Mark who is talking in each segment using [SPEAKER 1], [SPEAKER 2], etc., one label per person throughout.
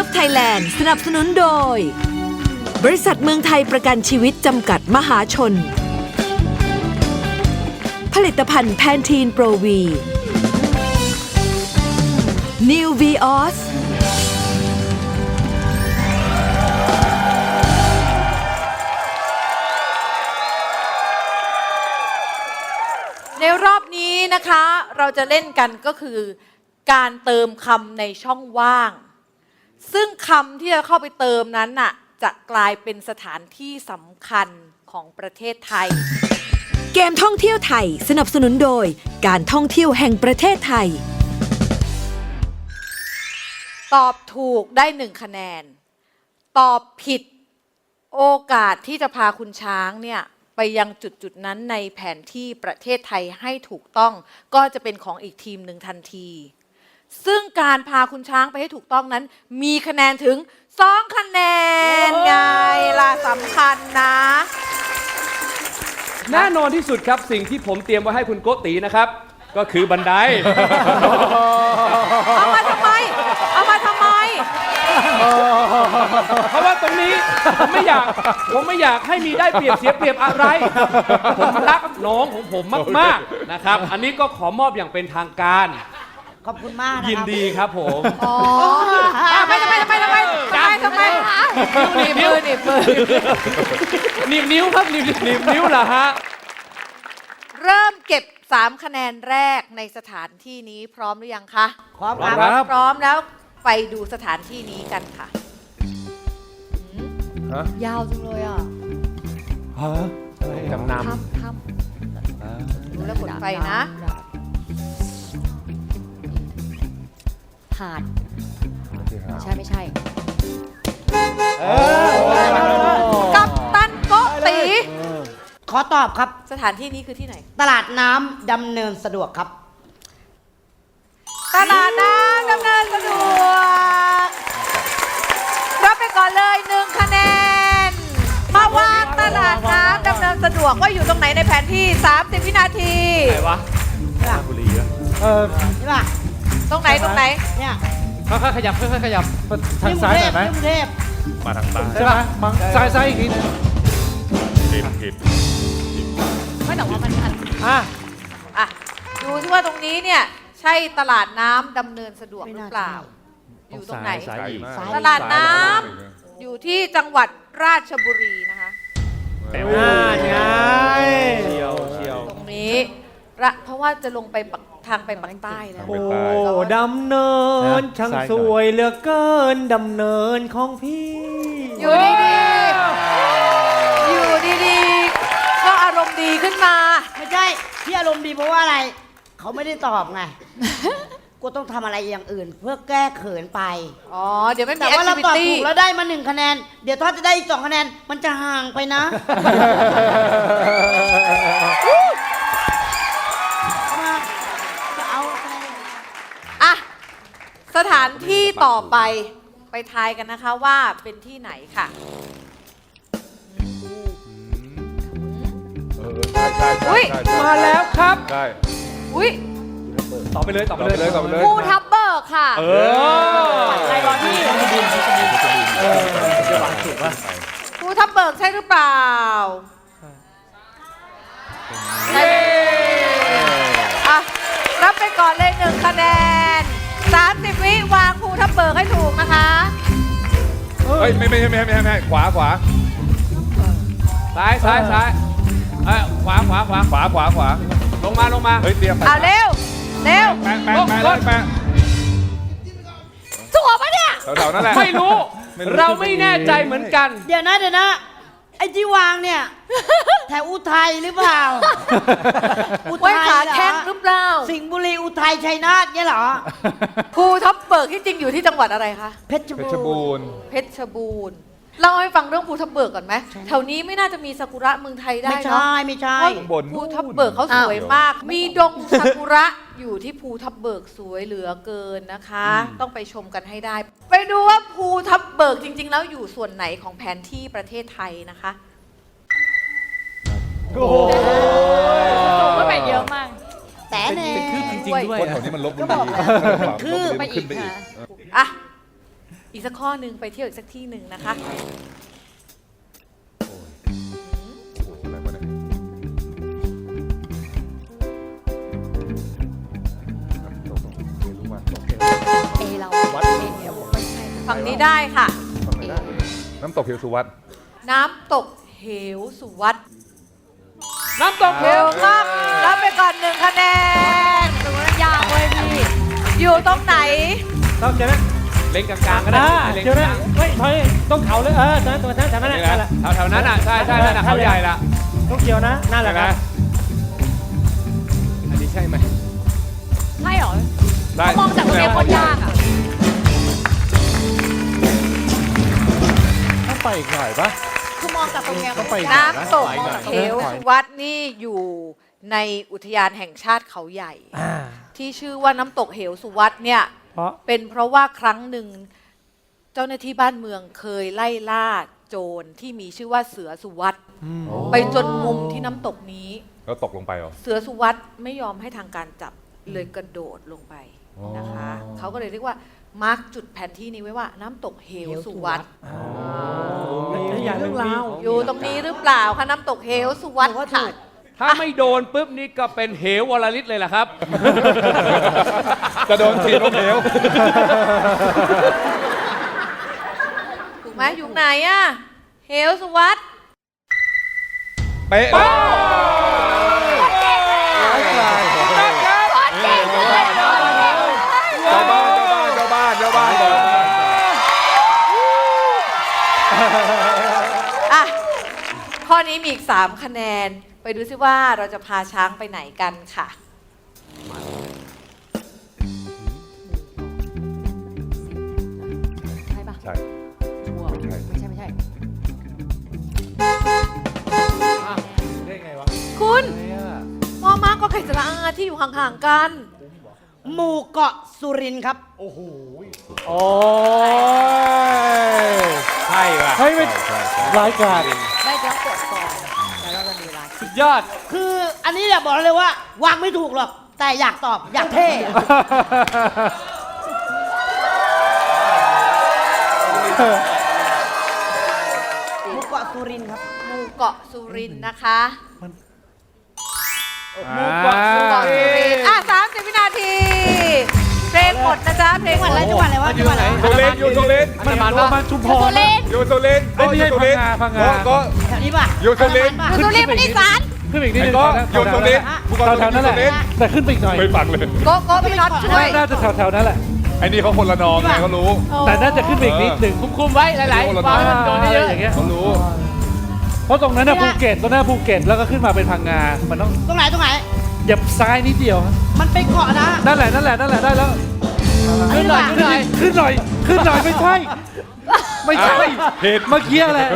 [SPEAKER 1] Thailand สนับสนุนโดยบริษัทเมืองไทยประกันชีวิตจำกัดมหาชนผลิตภัณฑ์แพนทีนโปรวี New Vios
[SPEAKER 2] ในรอบนี้นะคะเราจะเล่นกันก็คือการเติมคำในช่องว่างซึ่งคำที่จะเข้าไปเติมนั้นน่ะจะกลายเป็นสถานที่สำคัญของประเทศไทย
[SPEAKER 1] เกมท่องเที่ยวไทยสนับสนุนโดยการท่องเที่ยวแห่งประเทศไทย
[SPEAKER 2] ตอบถูกได้1คะแนนตอบผิดโอกาสที่จะพาคุณช้างเนี่ยไปยังจุดนั้นในแผนที่ประเทศไทยให้ถูกต้องก็จะเป็นของอีกทีมหนึ่งทันทีซึ่งการพาคุณช้างไปให้ถูกต้องนั้นมีคะแนนถึง2คะแนนไงล่ะสำคัญนะ
[SPEAKER 3] แน่นอนที่สุดครับสิ่งที่ผมเตรียมไว้ให้คุณโกตินะครับ ก็คือบันได
[SPEAKER 2] เอามาทำไม
[SPEAKER 3] เพราะว่าตรงนี้ผมไม่อยากให้มีได้เปรียบเสียเปรียบอะไร ผมรักน้องของผมมากๆนะครับ อันนี้ก็ขอมอบอย่างเป็นทางการ
[SPEAKER 4] ขอบคุณมากนะครับ
[SPEAKER 3] ยินดีครับผม
[SPEAKER 2] ทำไมหนีบมือหนีบ
[SPEAKER 3] นิ้วครับหนีบนิ้วเหรอฮะ
[SPEAKER 2] เริ่มเก็บ3คะแนนแรกในสถานที่นี้พร้อมหรือยังคะ
[SPEAKER 4] พร้อมครับ
[SPEAKER 2] พร้อมแล้วไปดูสถานที่นี้กันค่ะยาวจังเลยอ่ะ
[SPEAKER 3] จำน
[SPEAKER 2] ำดูแล้วกดไฟนะ
[SPEAKER 5] หาดใช่ไม่ใช่
[SPEAKER 2] กัปตันโกติ
[SPEAKER 4] ขอตอบครับ
[SPEAKER 2] สถานที่นี้คือที่ไหน
[SPEAKER 4] ตลาดน้ำดำเนินสะดวกครับ
[SPEAKER 2] ตลาดน้ำดำเนินสะดวกรับไปก่อนเลย1คะแนนมาวางตลาดน้ำดำเนินสะดวกว่าอยู่ตรงไหนในแผนที่30วินาที
[SPEAKER 3] ไหนวะราชบุรีอะ
[SPEAKER 4] ใช่ป่ะ
[SPEAKER 2] ตรงไหน
[SPEAKER 4] เนี่ย
[SPEAKER 3] ค่อยๆขยับทางซ้ายหน่อยไหม
[SPEAKER 4] กรุงเทพ
[SPEAKER 3] มาทางซ้ายใช่ป่ะซ้ายอีกทีผิด
[SPEAKER 5] ไม่แต่ว่ามัน
[SPEAKER 2] ดูที่ว่าตรงนี้เนี่ยใช่ตลาดน้ำดำเนินสะดวกหรือเปล่าอยู่ตรงไหนตลาดน้ำอยู่ที่จังหวัดราชบุรีนะคะตรงนี้เพราะว่าจะลงไปทางไปปักใต้แล้ว
[SPEAKER 6] โอ้ดำเนินช่างสวยเหลือเกินดำเนินของพี่
[SPEAKER 2] อยู่ดีก็อารมณ์ดีขึ้นมา
[SPEAKER 4] ไม่ใช่ที่อารมณ์ดีเพราะว่าอะไรเขาไม่ได้ตอบไงกูต้องทำอะไรอย่างอื่นเพื่อแก้เขินไป
[SPEAKER 2] เดี๋ยวไม่มี
[SPEAKER 4] แต่ว่าเราตอบถูกแล้วได้มา1คะแนนเดี๋ยวถ้าจะได้อีก2คะแนนมันจะห่างไปนะ
[SPEAKER 2] สถานที่ต่อไปทายกันนะคะว่าเป็นที่ไหนค่ะ
[SPEAKER 3] มาแล้วครับ
[SPEAKER 6] ใช่
[SPEAKER 3] ตอบไปเลย
[SPEAKER 5] ภูทับเบิกค่ะ
[SPEAKER 2] ใครรอที่ภูทับเบิกใช่หรือเปล่ารับไปก่อนเลย1คะแนน30วิวางภูทับเบิกให้ถูกนะคะ
[SPEAKER 6] ไม่ขวา
[SPEAKER 3] ซ้ายขวาลงมา
[SPEAKER 6] เฮ้ยเตรียมไป
[SPEAKER 2] เร็ว
[SPEAKER 6] แปะ
[SPEAKER 2] ถูกปะเนี่ย
[SPEAKER 6] แถวๆนั่นแหละ
[SPEAKER 3] ไม่รู้เราไม่แน่ใจเหมือนกัน
[SPEAKER 4] เดี๋ยวนะไอ้ที่วางเนี่ยแถวอุทัยหรือเปล่า
[SPEAKER 2] อุทัยขาแข้งหรือเปล่า
[SPEAKER 4] สิงห์บุรีอุทัยชัยนาทเนี่ยเหรอ
[SPEAKER 2] ภูทับเบิกที่จริงอยู่ที่จังหวัดอะไรคะ
[SPEAKER 4] เพชรบูรณ์
[SPEAKER 2] เล่าให้ฟังเรื่องภูทับเบิกก่อนไหมแถวนี้ไม่น่าจะมีซากุระเมืองไทยได้เนาะ
[SPEAKER 4] ไม่ใช่
[SPEAKER 2] ภูทับเบิกเขาสวยมากมีดงซากุระอยู่ที่ภูทับเบิกสวยเหลือเกินนะคะต้องไปชมกันให้ได้ไปดูว่าภูทับเบิกจริงๆแล้วอยู่ส่วนไหนของแผนที่ประเทศไทยนะคะ
[SPEAKER 5] โอ้โหก็ไปเยอะมาก
[SPEAKER 4] แต่เน่
[SPEAKER 6] เป็นคืบจริงๆด้วยคนแถวนี้มันลบบุรี
[SPEAKER 4] คือ
[SPEAKER 5] ไปอีกค่ะ
[SPEAKER 2] อีกสักข้อหนึ่งไปเที่ยวอีกสักที่หนึ่งนะคะ
[SPEAKER 7] อะไรวะเนี่ย
[SPEAKER 5] เอเราเอเอวไม่ใช่ค่ะ
[SPEAKER 2] ฝั่งนี้ได้ค่ะ
[SPEAKER 7] น้ำตกเหวสุวัต
[SPEAKER 2] น้ำตกเหวสุวัต
[SPEAKER 3] น้ำตกเห
[SPEAKER 2] เร็
[SPEAKER 3] ว
[SPEAKER 2] วมากรับไปก่อน1 คะแนนตรงนั้นยากเว้ยพี่ อยู่ตรงไหน
[SPEAKER 6] ต้องเจอไหม
[SPEAKER 3] เล่นกลางๆก็ได้เล่น
[SPEAKER 6] เจอไหม
[SPEAKER 3] กลาง
[SPEAKER 6] เฮ้ยถอยต้องเขาเลยตัวนั้นแถวนั้น
[SPEAKER 3] นี่
[SPEAKER 6] นั่น
[SPEAKER 3] แห
[SPEAKER 6] แห
[SPEAKER 3] ละ
[SPEAKER 6] ละ
[SPEAKER 3] แถวๆนั้นอ่ะใช่นั่นน่ะเขาใหญ่ละ
[SPEAKER 6] ต้องเกี่ยวนะนั่นแหละ
[SPEAKER 3] ใช่ไหม
[SPEAKER 6] ครับ
[SPEAKER 3] อันนี้ใช่ไหม
[SPEAKER 5] ใช่เหรอ
[SPEAKER 3] ได้
[SPEAKER 5] มองจากตรงนี้โคตรยากอ่ะ
[SPEAKER 7] ต้องไปอีกหน่อยปะ
[SPEAKER 5] คือมองจากตรงนี้
[SPEAKER 7] ต้องไปอีก
[SPEAKER 2] น้ำตกเหวสุวัตนี่อยู่ในอุทยานแห่งชาติเขาใหญ่ ที่ชื่อว่าน้ำตกเหวสุวัตเนี่ย
[SPEAKER 6] เพราะ
[SPEAKER 2] เป็นเพราะว่าครั้งหนึ่งเจ้าหน้าที่บ้านเมืองเคยไล่ล่าโจรที่มีชื่อว่าเสือสุวัตไปจนมุมที่น้ำตกนี้
[SPEAKER 7] แล้วตกลงไปเหรอ
[SPEAKER 2] เสือสุวัตไม่ยอมให้ทางการจับเลยกระโดดลงไปนะคะเขาก็เลยเรียกว่ามาร์กจุดแผนที่นี้ไว้ว่าน้ำตกเหวสุวัต
[SPEAKER 6] แล้วอย่างหนึ่งมี
[SPEAKER 2] อยู่ตรงนี้หรือเปล่าคะน้ำตกเหวสุวัตค่ะ
[SPEAKER 3] ถ้าไม่โดนปุ๊บนี่ก็เป็นเหววรลิตเลยล่ะครับ
[SPEAKER 7] จะโดนถีบลงเหว
[SPEAKER 2] ถูกไหมอยู่ไหนอะเหวสุวัต
[SPEAKER 7] เป๊ะเจ้าบ้าน
[SPEAKER 2] อ่ะข้อนี้มีอีก3 คะแนน ไปดูซิว่าเราจะพาช้างไปไหนกันค่ะ
[SPEAKER 5] ใช่ปะ
[SPEAKER 7] ใช่
[SPEAKER 5] ชัวร์ไม่ใช่
[SPEAKER 6] ได้ไงวะ
[SPEAKER 2] คุณมอม้าก็ไข่สระอาที่อยู่ห่างๆกัน
[SPEAKER 4] หมู่เกาะสุรินทร์ครับ
[SPEAKER 6] โอ้ย
[SPEAKER 3] ใช่ว่ะ
[SPEAKER 6] เฮ้ยไม่รายการ
[SPEAKER 5] ไม่เดี๋ยวกดก่อนแล้วเราจะมีเวลา
[SPEAKER 3] สุดยอด
[SPEAKER 4] คืออันนี้เนี่ยบอกเลยว่าวางไม่ถูกหรอก แต่อยากตอบอยากเท่ หมู่เกาะสุรินทร์ครับ
[SPEAKER 2] หมู่เกาะสุรินทร์นะคะ
[SPEAKER 3] หมู่เกาะสุ
[SPEAKER 2] เกาะสุรินทร์30 วินาที เพลงหมดนะจ๊ะ เพลงหมด
[SPEAKER 4] จังหวัดอะไรวะจังหวัดอะไร
[SPEAKER 7] สุรินทร์อยู่สุรินทร์
[SPEAKER 3] มันมา
[SPEAKER 6] มันชุมพร
[SPEAKER 7] อยู่สุรินทร์
[SPEAKER 6] ไอ้นี่ให้พังงา
[SPEAKER 7] ก็
[SPEAKER 4] แถวนี้ป่ะ
[SPEAKER 7] อยู่สุรินทร์
[SPEAKER 2] อยู่สุรินทร์เป็นอีสาน
[SPEAKER 6] ขึ้นไปอีกนิดนึง
[SPEAKER 7] ก็อยู่สุรินทร์
[SPEAKER 6] แถวนั้นแหละแต่ขึ้นไปอีกหน่อย
[SPEAKER 7] ไม่ฟังเลย
[SPEAKER 2] โกโก้พี่น็อตช่วย
[SPEAKER 6] น่าจะแถวนั้นแหละ
[SPEAKER 7] ไอ้นี่เขาคนละนองไงเขารู้
[SPEAKER 6] แต่น่าจะขึ้นไปอีกนิดหนึ่ง
[SPEAKER 3] คุมไว้หลายๆฟังให้มันโดนเยอะ
[SPEAKER 6] อย่างเงี้ย
[SPEAKER 7] เขารู้
[SPEAKER 6] เพราะตรงนั้นน่ะภูเก็ตตรงนั้นภูเก็ตแล้วก็ขึ้นมาเป็นพังงา มันต้อง
[SPEAKER 4] ตรงไหนตรงไหน
[SPEAKER 6] เหยียบซ้ายนิดเดียว
[SPEAKER 4] มันเป็นเกาะนะ
[SPEAKER 6] นั่นแหละได้แล้ว
[SPEAKER 4] ขึ้นหน่อย
[SPEAKER 6] ขึ้นหน่อยไม่ใช่ ไม่ใช่
[SPEAKER 7] ผิด
[SPEAKER 6] เมื่อกี้แหละ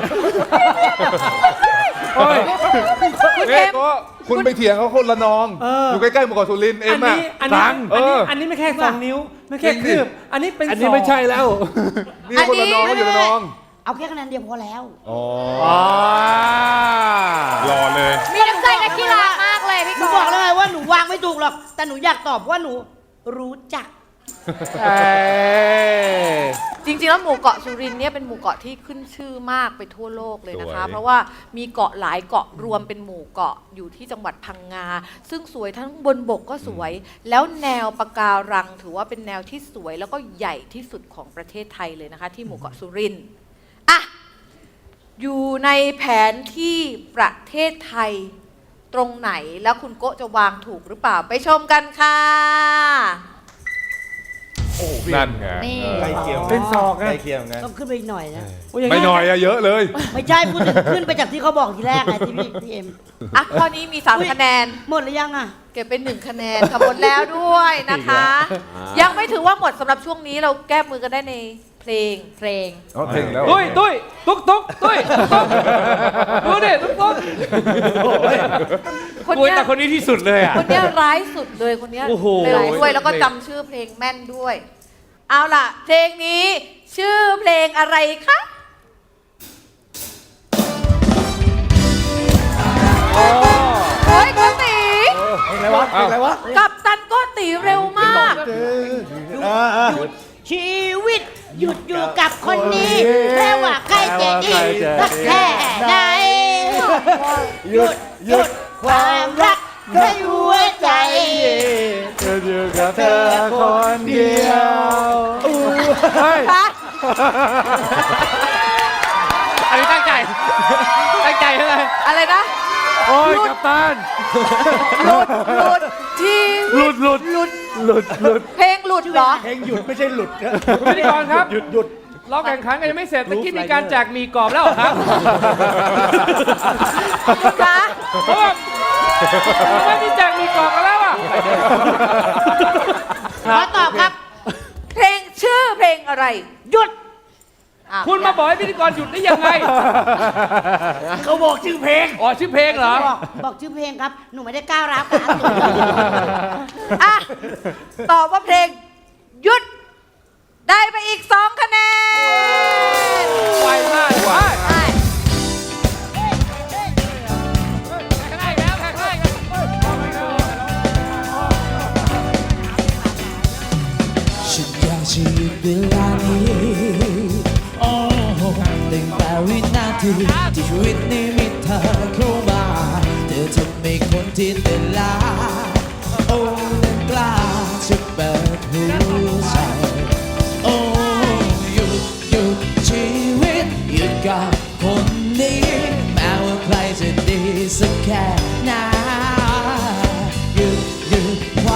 [SPEAKER 6] โอ้ย
[SPEAKER 7] เนี่ยก็คุณไปเถียงเขาคนละนอง อยู่ใกล้ๆหมู่เกาะสุรินทร์เอ็
[SPEAKER 6] อั
[SPEAKER 7] ม
[SPEAKER 6] น
[SPEAKER 7] อ่ะ
[SPEAKER 6] นี้อัน
[SPEAKER 7] ตั
[SPEAKER 6] นี้
[SPEAKER 7] งเออ
[SPEAKER 6] อันนี้ไม่แค่2 นิ้ว ไม่แค่
[SPEAKER 7] จริงดิ
[SPEAKER 6] คืบอันนี้เป็น
[SPEAKER 8] อันนี้ไม่ใช่แล้ว
[SPEAKER 7] นี่คนละนองเขาอยู่ละนอง
[SPEAKER 4] เอาแค่คะแนนเดียวพอแล้ว
[SPEAKER 7] อ๋อ
[SPEAKER 6] อ๋อ
[SPEAKER 7] รอเลย
[SPEAKER 5] มีน้ำใจนักกีฬามากเลยพี่
[SPEAKER 4] หนูบอกแล้วไงว่าหนูวางไม่ถูกหรอก แต่หนูอยากตอบว่าหนูรู้จัก
[SPEAKER 6] เอ้ย
[SPEAKER 2] จริงๆแล้วหมู่เกาะสุรินทร์เนี่ยเป็นหมู่เกาะที่ขึ้นชื่อมากไปทั่วโลกเลยนะคะ
[SPEAKER 7] สวย
[SPEAKER 2] เพราะว่ามีเกาะหลายเกาะรวมเป็นหมู่เกาะอยู่ที่จังหวัดพังงา ซึ่งสวยทั้งบนบกก็สวย แล้วแนวปะการังถือว่าเป็นแนวที่สวยแล้วก็ใหญ่ที่สุดของประเทศไทยเลยนะคะ ที่หมู่เกาะสุรินทร์อ่ะอยู่ในแผนที่ประเทศไทยตรงไหนแล้วคุณโกะจะวางถูกหรือเปล่าไปชมกันค่ะ
[SPEAKER 7] นั่นไง
[SPEAKER 5] นี่
[SPEAKER 7] เออ
[SPEAKER 6] เป็นศอกนะ
[SPEAKER 4] ต้องขึ้นไปอีกหน่อยนะ
[SPEAKER 6] โอย่าง
[SPEAKER 7] ไม่
[SPEAKER 6] เงี้
[SPEAKER 7] หน่อยอะเยอะเลย
[SPEAKER 4] ไม่ใช่พูดถึงขึ้นไปจากที่เขาบอกทีแรกไงที่พี่เอ็ม
[SPEAKER 2] อ่ะข้อนี้มี3คะแนน
[SPEAKER 4] หมดหรือยังอ่ะ
[SPEAKER 2] เก็บเป็น1 คะแนนค่ะหมดแล้วด้วยนะคะ ยังไม่ถือว่าหมดสำหรับช่วงนี้เราแก้มือกันได้ในเพลง
[SPEAKER 7] อ๋อถึงแล้ว
[SPEAKER 3] ตุ้ยตุ๊กตุ้ยดูดิตุ๊ก
[SPEAKER 2] คน
[SPEAKER 3] กลัว
[SPEAKER 2] เนี้ย
[SPEAKER 3] แต่คนนี้ที่สุดเลยอ่ะ
[SPEAKER 2] คนเนี้ยร้ายสุดเลยคนเนี้ย
[SPEAKER 3] โอ้โห
[SPEAKER 2] เร็วด้วยแล้วก็จำชื่อเพลงแม่นด้วย เอาล่ะ เพลงนี้ชื่อเพลงอะไรคะเฮ้ยโกติ
[SPEAKER 7] อะไรวะ
[SPEAKER 2] กับตันโกติเร็วมาก
[SPEAKER 4] ชชีวิต หยุดอยู่กับคนนี้แม้ว่าใครจะดีสักแค่ไหนหยุดความรักในหัวใจ
[SPEAKER 6] อยู่กับเธอคนเดียว
[SPEAKER 3] อันนี้ตั้งใจตั้งใจอะไร
[SPEAKER 2] อะไรนะ
[SPEAKER 6] โอ้ยกัปตัน
[SPEAKER 2] หลุดที
[SPEAKER 6] หลุด
[SPEAKER 2] เพลงหลุดเหรอ
[SPEAKER 6] เพลงหยุดไม่ใช่หลุดนะ
[SPEAKER 3] คุณพิธีกรครับ
[SPEAKER 6] หยุด
[SPEAKER 3] เราแข่งขันกันยังไม่เสร็จตะกี้มีการแจกหมีกรอบแล้วเหรอครับ
[SPEAKER 2] คุณคะ
[SPEAKER 3] เพราะว่าไม่มีแจกหมีกรอบกันแล้วอ่ะ
[SPEAKER 4] ขอตอบครับ
[SPEAKER 2] เพลงชื่อเพลงอะไร
[SPEAKER 4] หยุด
[SPEAKER 2] อ้าว
[SPEAKER 3] คุณมาบอกให้พิธีกรหยุดได้ยังไง
[SPEAKER 6] เขาบอกชื่อเพลง
[SPEAKER 3] อ๋อชื่อเพลงเหรอ
[SPEAKER 4] บอกชื่อเพลงครับ หนูไม่ได้ก้าวร้าวกัน
[SPEAKER 2] อ่ะตอบว่าเพลงหยุด ได้ไปอีก 2 คะแนน
[SPEAKER 3] ไวมากไว
[SPEAKER 2] ใช่
[SPEAKER 8] ฉันอยากจะหยุดเวลานี้โอ้ตั้งแต่วินาทีที่ชีวิตนี้มีเธอเข้ามาเธอทำให้คนที่เดินลาโอ้นั้นกล้าจะเปิดหัวใจโอ้หยุดชีวิตหยุดกับคนนี้แม้ว่าใครจะดีสักแค่ไหนหยุดคว